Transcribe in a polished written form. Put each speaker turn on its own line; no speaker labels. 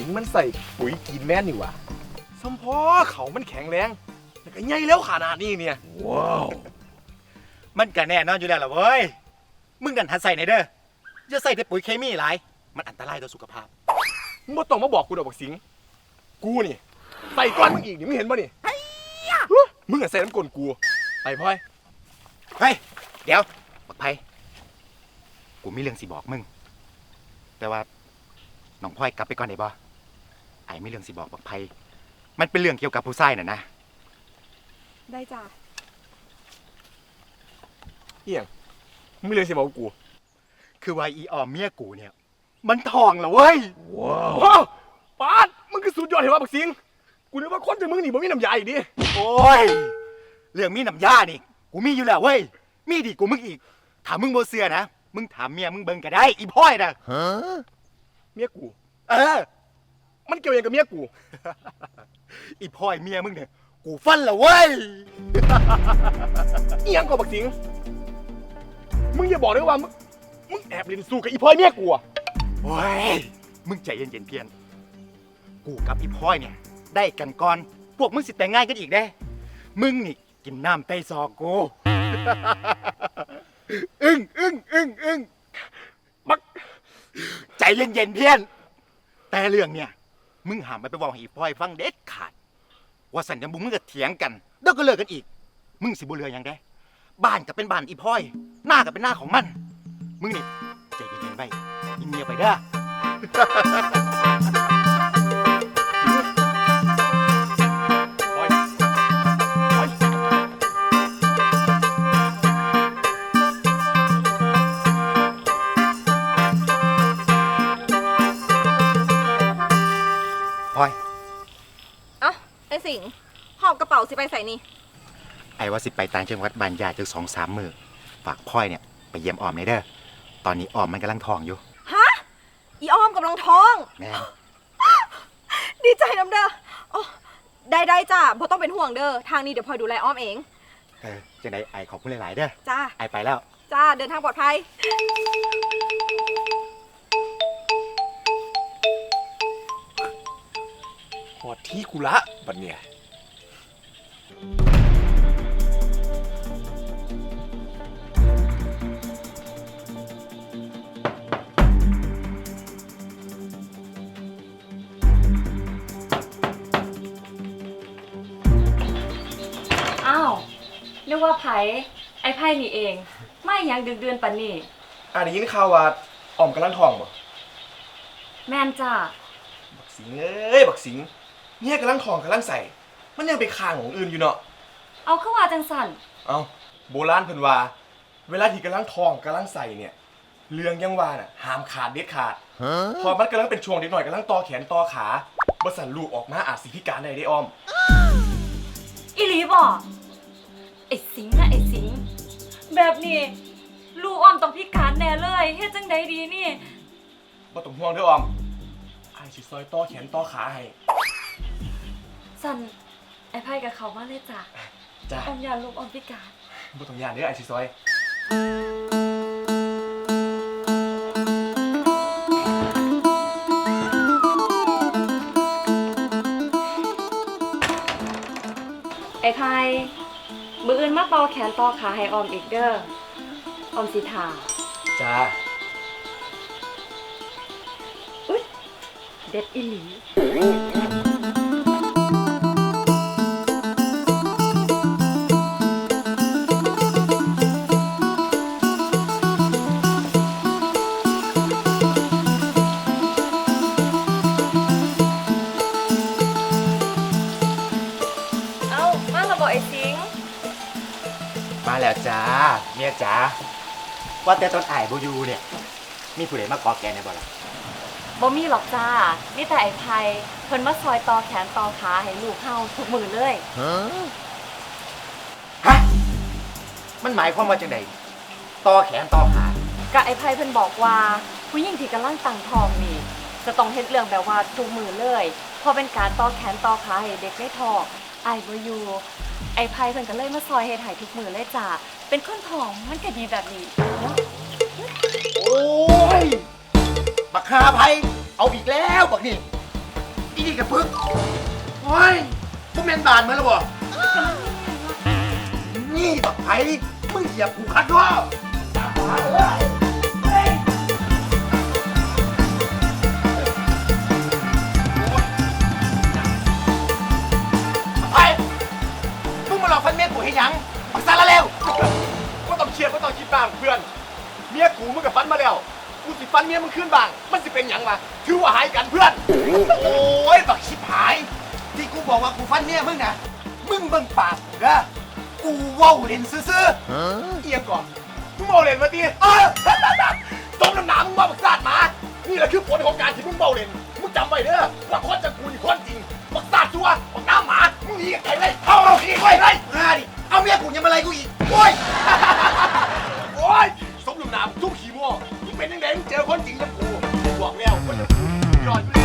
สิงมันใส่ปุ๋ยกินแม่นนี่หว่าสมพอเขามันแข็งแรงแต่ก็ใหญ่แล้วขนาดนี้เนี่ยว้าว
มันก็แน่นอนอยู่แล้วล่ะเว้ยมึงดันหัดใส่ไหนเด้ออย่าใส่แต่ปุ๋ยเคมีหลายมันอันตรายต่อสุขภาพ
มึงบ่ต้องมาบอกกูดอกบักสิงกูนี่ใส่ก้อนมึงอีกนี่มึงเห็นป่ะนี่มึงอะใส่น้ำกลนกูไปพ่อย
เฮ้ยเดี๋ยวบักไพกูมีเรื่องสิบอกมึงแต่ว่าน้องพ่อยกลับไปก่อนได้บ่ไอ้มีเรื่องสิบอกบักไพมันเป็นเรื่องเกี่ยวกับผู้ชายน่ะนะ
ได้จ้ะ
เอียงมึงมีเรื่องสิบอกกู
คือว่าอีออมเมียกูเนี่ยมันทองเหรอเว้ย
ว้าวปาดมึงคือสุดยอดเห็นว่าบักสิงกูนึกว่าคนจะมึงนี่บ่มีน้ำยาอีกดิ
โอ้ยเรื่องมีน้ำยานี่กูมีอยู่แล้วเว้ยมีดีกูมึงอีกถามมึงโบเสือนะมึงถามเมียมึงเบิ่งก็ได้อีพ่อยนะ
เมียกู
เออ
มันเกี่ยวยังกับเมียกู
อีพ่อยเมียมึงเนี่ยกูฟันละเว้ย
เอียงกับบักสิงมึงอย่าบอกเลยว่ามึงแอบเล่นสู้กับอีพลอยเมียกูอะ
โอ้ยมึงใจเย็นๆเพียนกูกับอีพ่อยเนี่ยได้กันก่อนพวกมึงสิแต่งงานกันอีกได้มึงนี่กินน้ำไตซอกกู อึ้ง
บัก
ใจเย็นๆเพียนแต่เรื่องเนี่ยมึงหามไปบอกให้อีพ่อยฟังเด็ดขาดว่าสัญญาบุมึงก็เถียงกันแล้วก็เลิกกันอีกมึงสิบุเรือยังได้บ้านก็เป็นบ้านอีพ่อยหน้าก็เป็นหน้าของมันมึงนี่ใจเย็นๆไปอีเมียไปเด้อ
พลอยพลอย
พ่อย
เอ้าไอ้สิงห์หอบกระเป๋าสิไปใส่นี่
ไอ้ว่าสิไปต่างจังหวัดบ้านญาติจัง2-3 มื้อฝากพ่อยเนี่ยไปเยี่ยมออมในเด้อตอนนี้ออมมันกำลังท้องอยู่
ฮะ อีอ้อมกำลังท้อง
แม่
ดีใจน้ำเด้อโอ้ได้จ้ะบ่ต้องเป็นห่วงเด้อ ทางนี้เดี๋ยวพลอยดูแลอ้อมเอง
จังไดไอ้ขอบคุณหลายๆเด้อ
จ้า
ไอ้ไปแล้ว
จ้า เดินทางปลอดภัย
หอดที่กูละบัดเนี่ย
อ้าวนึกว่าไผไอ้ไพ่นี่เอง ไม่ยังดึกเดือนปันนี่
ได้ยินข่าวว่าอ่อมกำลังท้องบ่
แม่นจ้า
บักสิงเอ้ยบักสิงเนี่ยกำลังท้องกำลังใส่ มันยังไปข้างของอื่นอยู่เนาะ
เอาเข้าว่าจังสัน
เอาโบราณเพิ่นว่า เวลาที่กำลังท้องกำลังใส่เนี่ยเรื่องยังว่าน่ะห้ามขาดเด็ดขาดพอมันกำลังเป็นช่วงเด็กหน่อยกำลังต่อแขนต่อขาบ่สั่นลูกออกมาอาจสิพิการได้เด้อ้อม
อีหลีบ่ไอ้สิงห์นะไอ้สิงห์แบบนี้ลูกอ้อมต้องพิการแน่เลยเฮ็ดจังใดดีนี่
บ่ต้องห่วงเด้ออ้อมอ้ายสิซอยต่อแขนต่อขาให้
สันไอ้ไพ่กับเขามาเลยจ้ะ
จ้า
อ้อมอยากลูกอ้อมพิการ
บ่ต้องย่านเด้ออ้ายสิซอย
ไอ้ไพ่มืออื่นมาเป่าแขนต่อขาให้ออมอีกเด้อออมสิทา
จ้า
อุ๊ยเด็ดอีหลี เอ้ามาระบอกไอ้สิงห์
มาแล้วจ้าเมียจ๋าว่าแต่ตอนไอ้ายบ่อยู่เนี่ยมีผู้ใดมาขอแกในบ่ล่ะ
บ่มีหรอกจ้ามีแต่ไอ้ไพเพิ่นมาซอยต่อแขนต่อขาให้ลูกเฮาทุกมือเลย
ฮะมันหมายความว่าจังไดต่อแขนต่อขา
กะไอ้ไพเพิ่นบอกว่าผู้หญิงที่กำลังตั้งท้องนี่จะต้องเฮ็ดเรื่องแบบว่าทุกมือเลยเพราะเป็นการต่อแขนต่อขาให้เด็กในท้องอ้ายบ่อยู่ไอ้ไพเพิ่นก็เลยมาซอยเฮ็ดให้ทุกมือเลยจ้าเป็นคนท้องมันก็ดีแบบนี้เนาะ
โอ้ยบักฮาไผเอาอีกแล้วบักนี่อีกระปึกโอ้ยพวกแมนบานมาแล้วบ่นี่บักไผ่มึงเหยียบกูคัดด้วยไผ่มึงมาหลอกฟันเมียกูให้ยังมึงซาละเร็ว
ก็ต้องเครียดก็ต้องคิดบ้างเพื่อน เมียกูมึงกับฟันมาแล้ว กูสิฟันเมียมึงขึ้นบ้าง มันสิเป็นหยังวะถือว่าหายกันเพื่อน
โอ้ยบักชิบหาย ที่กูบอกว่ากูฟันเมียมึงนะมึงเบิ่งปากกูนะกูเว้าเล่นซื่อ
เอียงก่อน มึงเบาเล่นมาตีต้มน้ำหนามึงมาบักซาดหมา นี่แหละคือผลของการที่มึงเบาเล่น มึงจำไว้เด้อว่าคนจะกูนี่คนจริง บักซาดชัวบักน้ำหมา มึงหนีกันไปเลยเอาหนีไปเลย
ๆมาดิเอาเมียกูยังมาอะไรกูอีกโอ้ย
โอ้ยสมน้ำหนาทุกขี้โม่มึงเป็นยังไงมึงเจอคนจริงกับกูบอกแล้วคนจะกูยอดอยู่